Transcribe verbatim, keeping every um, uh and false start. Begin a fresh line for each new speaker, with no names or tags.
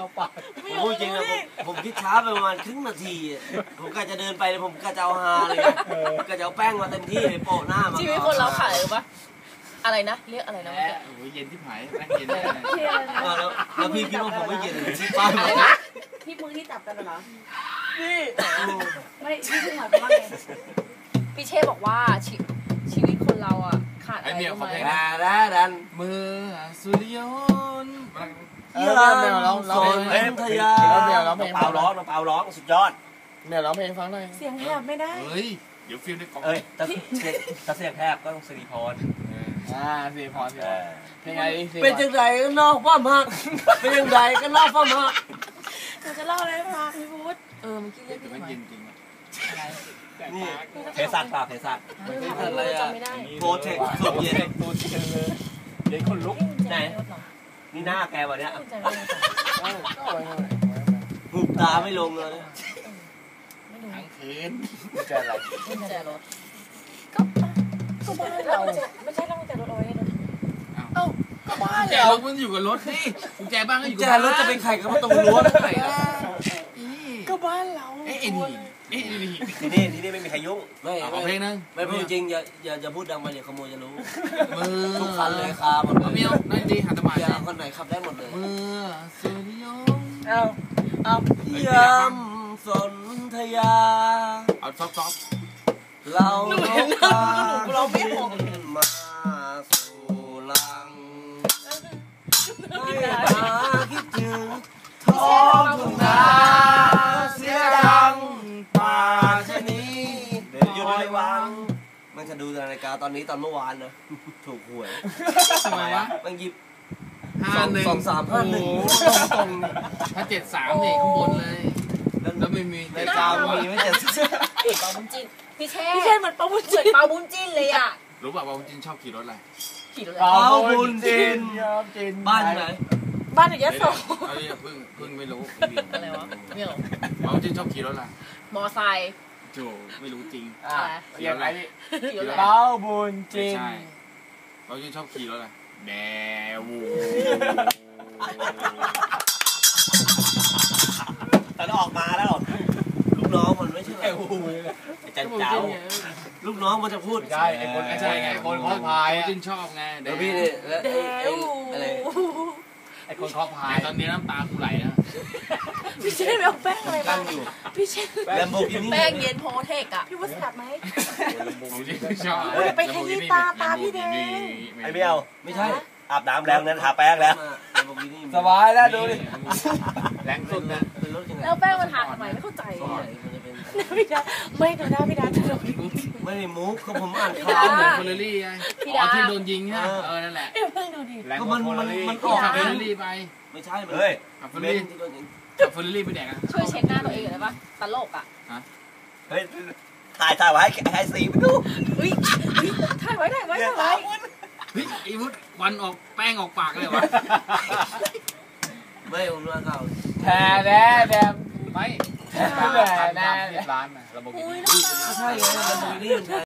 ปาก
ผมพูดจริงนะผมผมคิดช้าไปประมาณครึ่งนาทีผมก็จะเดินไปผมก็จะเอาฮาเลยก็จะเอาแป้งมาเต็มที่เลยโปะหน้ามา
ชีวิตคนเราขายหรือปะอะไรนะเรียกอะไรนะ
โอ้ยเย็นที่หายแป้งเย็น
แล้วแล้วพี่คิดว่าผมไม่เย็นเลยที่ป้า
อะไรนะ
ที่มือที่จับกันเหรอ
นี่
ไม่ที่มือหมายความว่าไง
พี่เช่บอกว่าชีวิตคนเราอ่ะขาดอะไร
รู้ไหม
ดันดัน
มือสุริยนต์
เยี่ยมเมลร้องร้องเพลงทยาเมลร้องเพลงเปล่าร้องเปล่าร้องสุดยอด
เมลร้องเพลงฟังหน่อย
เสียงแหบไม่ได้
เฮ้ยเดี๋ยวฟิลในกล่อง
เอ้ยถ้าถ้าเสียงแหบก็ต้องสิริพร
อ่าสิริพรสิเพลงไง
เป็นจังไรก็นอกความหักเป็นจังไรก็นอกความหัก
หนูจะเล่าอะไรมาพี่พุทธ
เออเมื่อกี้เรียกพี่
มันเย็นจริง
อะไร
นี่เทสัตป่ะเทสัต
อะไรอ่ะ
โปรเทคสุดเย็น
ตัวเย็นเลยเย็นคนลุก
ไหนนี่หน้าแกวันเนี้ยหุบตาไม่ลงเลย
ทั้งคืน
จะอะไร
กุญแจรถก็ก็บ้านเราไม่ใช่เรากุญแจรถเอาไว้ในรถเอ้าก็บ้าน
เรามันอยู่กับรถนี่กุญแจบ้านก็อยู่กับ
รถจะเป็นใครก็มาตรงรั้วได้ไง
ก็บ้านเรา
เอ๊ะนี่เอ๊ะนี่
ที่นี่ที่นี่ไม่มีใครยุ่ง
ไม่เอาเพลงนึง
ไม่พูดจริงอย่าอย่าอย่าพูดดังไปเดี๋ยวขโมยจะรู้
มือ
ทุกคันเลยคาหมดเลย
เมียวนั่นดีหันตะมา
อย่าคนไหนขับได้หมดเลย
มือสุริยนต์
เอาเอา
ยำสนธยา
เอาซอฟซอฟ
เราเราไม่หงมาสู่ลังให้ตาคิดถึงท้องทุ่งนาเสียดังป่าชะนีเดี๋ยวอยู่ในวังมันจะดูนาฬิกาตอนนี้ตอนเมื่อวานนะถูกหวย
ทำไมวะ
มันหยิบ
ห้าหนึ่ง
สองสามห้าหนึ่งตรง
ถ้าเจ็ดสามนี่ข้างบนเลยแล้วไม่มี
นาฬิกามีไม่เจ็ด
เปาบุญจินพี่เช่
พี่เช่เหมือนเปาบุญจิน
เปาบุญจินเลยอ่ะ
รู้ป่ะเปาบุญจินชอบขี่รถอะไร
ขี่รถ
เปาบุญจินบ้านไหน
บ้านอยู่ยะโส
เอ้ยเพิ่งเพิ่งไม่รู้
อะไรวะไม่รู้
เปาบุญจินชอบขี่รถอะไร
มอไซค์
โจไม่รู้จริง
อะไร
อย่างไรเปาบุญจิน
ใช่เปาบุญจินชอบขี่รถอะไรแดวู
ตอนออกมาแล้วลูกน้องมันไม่ใช่ไอ้หูไอ้จันเจ้าลูกน้องมันจะพูด
ใช่ไอ้คนใช่ไงคนคอพาย
จินชอบไง
เดี๋ยวพี่เนี่ยแล้วไอ้อะไร
ไอ้คนคอพาย
ตอนนี้น้ำตากูไหลนะ
พี่เช่ไม่เอาแป้งอะไรมาพี่เช่
แลมโบกินี่
แป้งเย็นโพเทคอะ
พี่วุฒิสับไหม
ชอบ
ไปขยี้ตาตาพี่แดง
ไอ้เบี้ยวไม่ใช่อาบน้ำแล้วนั้นทาแป้งแล้ว
สบายแล้วดูดิ
แรงสุดนะ
แล้วแป้งมันทาทำไมไม่เข้าใจ
พี่ดาไม่ดูหน้าพี่ดาจะโดน
ไม่ได้มุกก็ผมอ่านข่
าวเหมือนเฟอร์เรรี่ไงอ๋อที่โดนยิงใช่เออนั่นแหละ
เพิ่งดูดิ
ก็มันมันมันออก
เฟอร์เรรี่ไป
ไม่ใช่เฮ้ย
เฟอร์เรรี่เฟอร์เรรี่ไปแดกอะ
ช่วยเช็ดหน้าตัวเองได้ปะตลกอะ
เฮ้ยถ่ายถ่ายไว้ให้สีไปดู
เฮ้ยถ่ายไว้ถ่ายไว้ถ่ายไว้
เฮ้ยไอ้วุฒิวันออกแป้งออกปากเลยวะ
ไม่ผมรู้ข่าว
แท้แน่แน่
ไม่
แท้แน่แน่
ร้านนะระบบ
อุ้ย
ใช่ไงระบบนี้